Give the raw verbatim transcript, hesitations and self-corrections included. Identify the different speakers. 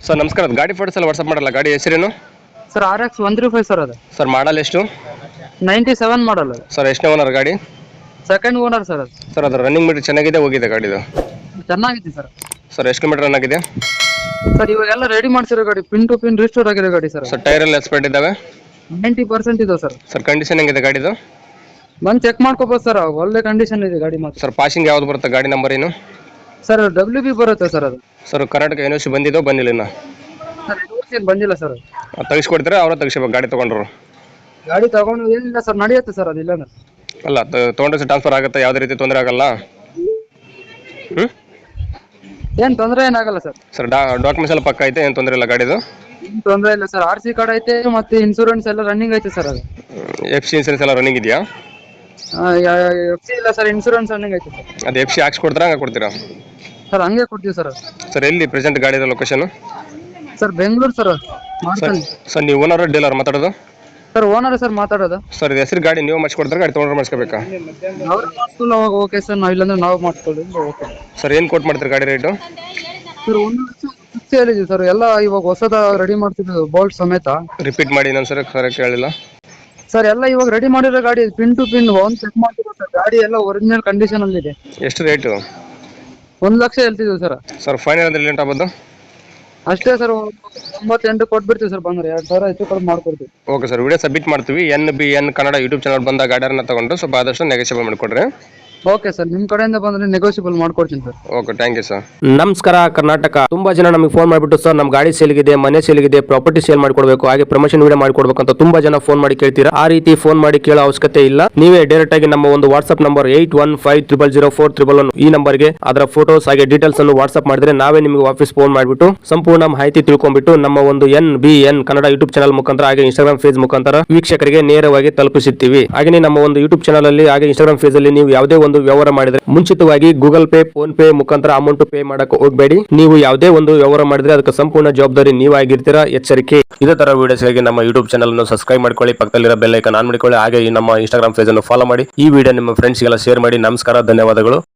Speaker 1: Sir ನಮಸ್ಕಾರ, ಅದು ಗಾಡಿ ಫೋಟೋಸ್ ಎಲ್ಲ ವಾಟ್ಸಪ್ ಮಾಡಲ್ಲ. ಗಾಡಿ ಹೆಸರೇನು
Speaker 2: sir R X one three five sir ಅದು
Speaker 1: ಸರ್? ಮಾಡಲ್ ಎಷ್ಟು
Speaker 2: ನೈಂಟಿ ಸೆವೆನ್ ಮಾಡಲ್ ಅದು
Speaker 1: ಸರ್? ಎಷ್ಟನೇ ಓನರ್ ಗಾಡಿ
Speaker 2: ಸೆಕೆಂಡ್ ಓನರ್ ಸರ್ ಅದು
Speaker 1: ಸರ್? ಅದು ರನ್ನಿಂಗ್ ಮೀಟರ್ ಚೆನ್ನಾಗಿದೆ, ಹೋಗಿದೆ ಗಾಡಿದು
Speaker 2: ಚೆನ್ನಾಗಿದೆ ಸರ್.
Speaker 1: ಸರ್ ಎಷ್ಟು ಕಿಲೋಮೀಟರ್ ರನ್ ಆಗಿದೆ
Speaker 2: ಸರ್ ಇವಾಗೆಲ್ಲ ರೆಡಿ ಮಾಡ್ಸಿರೋ ಗಾಡಿ, ಪಿನ್ ಟು ಪಿನ್ ರಿಸ್ಟೋರ್ ಆಗಿದೆ ಗಾಡಿ ಸರ್.
Speaker 1: ಸರ್ ಟೈರ್ ಎಲ್ಲ ಎಕ್ಸ್ಪರ್ಟ್ ಇದ್ದಾವೆ
Speaker 2: ನೈಂಟಿ ಪರ್ಸೆಂಟ್ ಇದೆ ಸರ್.
Speaker 1: ಸರ್ ಕಂಡೀಷನ್ ಹೆಂಗಿದೆ ಗಾಡಿದು?
Speaker 2: ಬಂದು ಚೆಕ್ ಮಾಡ್ಕೋಬೋದು ಸರ್, ಒಳ್ಳೆ ಕಂಡೀಷನ್ ಇದೆ ಗಾಡಿ ಮಾತ್ರ.
Speaker 1: ಸರ್ ಪಾಸಿಂಗ್ ಯಾವ್ದು ಬರುತ್ತೆ ಗಾಡಿ ನಂಬರ್ ಏನು?
Speaker 2: ಸರ್ ಡಬ್ಲ್ಯೂ ಬಿ ಬರುತ್ತೆ ಸರ್ ಅದು.
Speaker 1: Sir Karnataka N O C ಬಂದಿದ್ದೋ ಬಂದಿಲ್ಲ ಇನ್ನು?
Speaker 2: ಸರ್ ಏನು ಬಂದಿಲ್ಲ ಸರ್.
Speaker 1: ತೆಗಿಸ್ಕೊಡ್ತೀರಾ ಅವರ ತೆಗಿಸ್ಬೇಕು ಗಾಡಿ ತೊಗೊಂಡ್ರು?
Speaker 2: ಗಾಡಿ ತಗೊಂಡು ಏನಿಲ್ಲ ಸರ್, ನಡೆಯುತ್ತೆ ಸರ್ ಅದು. ಇಲ್ಲ
Speaker 1: ಅಲ್ಲ ತೊಗೊಂಡ್ರೆ ಟ್ರಾನ್ಸ್ಫರ್ ಆಗುತ್ತೆ, ಯಾವುದೇ ರೀತಿ ತೊಂದರೆ ಆಗಲ್ಲ? ಹ್ಞೂ
Speaker 2: ಏನು ತೊಂದರೆ ಏನಾಗಲ್ಲ ಸರ್.
Speaker 1: ಸರ್ ಡಾ ಡಾಕ್ಯುಮೆಂಟ್ಸ್ ಎಲ್ಲ ಪಕ್ಕ ಐತೆ, ಏನು ತೊಂದರೆ ಇಲ್ಲ ಗಾಡಿದು?
Speaker 2: ಏನು ತೊಂದರೆ ಇಲ್ಲ ಸರ್. ಆರ್ ಸಿ ಕಾರ್ಡ್ ಐತೆ ಮತ್ತೆ ಇನ್ಸೂರೆನ್ಸ್ ಎಲ್ಲ ರನ್ನಿಂಗ್ ಐತೆ ಸರ್ ಅದು.
Speaker 1: ಎಫ್ ಸಿ ಇನ್ಸೂರೆನ್ಸ್ ಎಲ್ಲ ರನ್ನಿಂಗ್ ಇದೆಯಾ?
Speaker 2: ಎಫ್ ಸಿ ಇಲ್ಲ ಸರ್, ಇನ್ಸೂರೆನ್ಸ್ ರನ್ನಿಂಗ್ ಐತೆ ಸರ್.
Speaker 1: ಅದು ಎಫ್ ಸಿ ಹಾಕ್ಸ್ಕೊಡ್ತೀರಾ ಹಂಗೆ ಕೊಡ್ತೀರಾ?
Speaker 2: ಸರ್ ಹಂಗೆ ಕೊಡ್ತೀವಿ ಸರ್.
Speaker 1: ಸರ್ ಎಲ್ಲಿ ಪ್ರೆಸೆಂಟ್ ಗಾಡಿ ಇರೋ location?
Speaker 2: Sir Bengaluru sir.
Speaker 1: Sir sir ನೀವು ಓನರ್ ಡೀಲರ್ ಮಾತಾಡೋದು?
Speaker 2: ಸರ್ ಓನರ್ ಸರ್ ಮಾತಾಡೋದು.
Speaker 1: ಸರ್ ಇದು ಹೆಸರು ಗಾಡಿ ನೀವು ಮಾಡಿಸ್ಕೊಡ್ತಾರೆ, ಗಾಡಿ ತೊಗೊಂಡ್ರೆ ಮಾಡಿಸ್ಕೋಬೇಕಾ?
Speaker 2: ಅವ್ರು ಮಾಡಿಸ್ಕೊಂಡು ಅವಾಗ ಓಕೆ ಸರ್, ನಾವು ಇಲ್ಲಾಂದ್ರೆ ನಾವು ಮಾಡಿಸ್ಕೊಳ್ಳಿ ಓಕೆ.
Speaker 1: ಸರ್ ಏನು ಕೋಟ್ ಮಾಡ್ತೀರಿ ಗಾಡಿ ರೇಟು?
Speaker 2: ಸರ್ ಒಂದು ಲಕ್ಷ ಫಿಕ್ಸ್ ಹೇಳಿದ್ವಿ ಸರ್. ಎಲ್ಲ ಇವಾಗ ಹೊಸದ ರೆಡಿ ಮಾಡ್ತಿದ್ದು ಬೋಲ್ಟ್ ಸಮೇತ.
Speaker 1: ರಿಪೀಟ್ ಮಾಡಿ ಇನ್ನೊಂದು ಸರಿ ಕರೆಕ್ಟ್ ಹೇಳಿಲ್ಲ
Speaker 2: ಸರ್. ಎಲ್ಲ ಇವಾಗ ರೆಡಿ ಮಾಡಿರೋ ಗಾಡಿ, ಪಿನ್ ಟು ಪಿನ್ ಒಂದು ಚೆಕ್ ಮಾಡ್ತಿರೋ ಸರ್. ಗಾಡಿ ಎಲ್ಲ ಒರಿಜಿನಲ್ ಕಂಡೀಷನ್ ಅಲ್ಲಿ ಇದೆ.
Speaker 1: ಎಷ್ಟು ರೇಟು?
Speaker 2: ಒಂದು ಲಕ್ಷ ಹೇಳ್ತಿದ್ವಿ ಸರ್.
Speaker 1: ಸರ್ ಫೈನಲ್ ಅಂದ್ರೆ ಲೇಟ್ ಆಗ್ಬೋದು?
Speaker 2: ಅಷ್ಟೇ ಸರ್, ಒಂಬತ್ತೆಂಟು ಕೊಟ್ಬಿಡ್ತೀವಿ ಸರ್. ಬಂದ್ರೆ ಎರಡು ಸಾವಿರ ಹೆಚ್ಚು ಕಡಿಮೆ ಮಾಡ್ಕೊಡ್ತೀವಿ.
Speaker 1: ಓಕೆ ಸರ್, ವಿಡಿಯೋ ಸಬ್ಮಿಟ್ ಮಾಡ್ತೀವಿ. N B N Kannada YouTube channel ಬಂದ ಗಾಡಿಯನ್ನ ತಗೊಂಡು ಸ್ವಲ್ಪ ಆದಷ್ಟು ನೆಗೋಷಿಯೇಬಲ್ ಮಾಡಿಕೊಡ್ರಿ.
Speaker 2: ಓಕೆ ಸರ್, ನಿಮ್ಮ ಕಡೆಯಿಂದ ಬಂದ್ರೆ ನೆಗೋಷಿಯಬಲ್ ಮಾಡ್ಕೊಡ್ತೀನಿ sir.
Speaker 1: Okay, thank you sir.
Speaker 3: ನಮಸ್ಕಾರ ಕರ್ನಾಟಕ. ತುಂಬಾ ಜನ ನಮಗೆ ಫೋನ್ ಮಾಡಿಬಿಟ್ಟು ಸರ್ ನಮ್ಮ ಗಾಡಿ ಸೇಲ್ಗಿದೆ, ಮನೆ ಸೇಲ್ಗಿದೆ, ಪ್ರಾಪರ್ಟಿ ಸೇಲ್ ಮಾಡ್ಕೊಡ್ಬೇಕು, ಹಾಗೆ ಪ್ರಮೋಷನ್ ವಿಡಿಯೋ ಮಾಡ್ಕೊಡ್ಬೇಕು ಅಂತ ತುಂಬಾ ಜನ ಫೋನ್ ಮಾಡಿ ಕೇಳ್ತೀರಾ. ಆ ರೀತಿ ಫೋನ್ ಮಾಡಿ ಕೇಳೋ ಅವಶ್ಯಕತೆ ಇಲ್ಲ. ನೀವೇ ಡೈರೆಕ್ಟ್ ಆಗಿ ನಮ್ಮ ಒಂದು WhatsApp number eight one five triple zero four triple one ಈ ನಂಬರ್ಗೆ ಅದರ ಫೋಟೋಸ್ ಹಾಗೆ ಡೀಟೇಲ್ಸ್ ಅನ್ನು ವಾಟ್ಸ್ಆಪ್ ಮಾಡಿದ್ರೆ ನಾವೇ ನಿಮಗೆ ವಾಪಸ್ ಫೋನ್ ಮಾಡಿಬಿಟ್ಟು ಸಂಪೂರ್ಣ ಮಾಹಿತಿ ತಿಳ್ಕೊಂಡ್ಬಿಟ್ಟು ನಮ್ಮ ಒಂದು N B N Kannada YouTube channel ಮುಖಾಂತರ ಹಾಗೆ ಇನ್ಸ್ಟಾಗ್ರಾಮ್ ಫೇಸ್ ಮುಖಾಂತರ ವೀಕ್ಷಕರಿಗೆ ನೇರವಾಗಿ ತಲುಪಿಸುತ್ತೀವಿ. ಹಾಗೆ ನಮ್ಮ ಒಂದು ಯೂಟ್ಯೂಬ್ ಚಾನಲ್ ಅಲ್ಲಿ ಹಾಗೆ ಇನ್ಸ್ಟಾಗ್ರಾಮ್ ಫೇಸ್ ಅಲ್ಲಿ ನೀವು ಯಾವುದೇ ಒಂದು ವ್ಯವಹಾರ ಮಾಡಿದ್ರೆ ಮುಂಚಿತವಾಗಿ ಗೂಗಲ್ ಪೇ, ಫೋನ್ ಪೇ ಮುಖಾಂತರ ಅಮೌಂಟ್ ಪೇ ಮಾಡಕ್ಕೆ ಹೋಗಬೇಡಿ. ನೀವು ಯಾವುದೇ ಒಂದು ವ್ಯವಹಾರ ಮಾಡಿದ್ರೆ ಅದಕ್ಕೆ ಸಂಪೂರ್ಣ ಜವಾಬ್ದಾರಿ ನೀವಾಗಿರ್ತೀರಾ, ಎಚ್ಚರಿಕೆ. ಇದೇ ತರ ವಿಡಿಯೋಸ್ಗಾಗಿ ನಮ್ಮ ಯೂಟ್ಯೂಬ್ ಚಾನಲ್ ಅನ್ನು ಸಬ್ಸ್ಕ್ರೈಬ್ ಮಾಡ್ಕೊಳ್ಳಿ, ಪಕ್ಕದಲ್ಲಿರೋ ಬೆಲ್ ಐಕಾನ್ ಆನ್ ಮಾಡಿಕೊಳ್ಳಿ, ಹಾಗೆ ನಮ್ಮ ಇನ್ಸ್ಟಾಗ್ರಾಮ್ ಪೇಜ್ ಅನ್ನು ಫಾಲೋ ಮಾಡಿ. ಈ ವಿಡಿಯೋ ನಿಮ್ಮ ಫ್ರೆಂಡ್ಸ್ಗೆಲ್ಲ ಶೇರ್ ಮಾಡಿ. ನಮಸ್ಕಾರ, ಧನ್ಯವಾದಗಳು.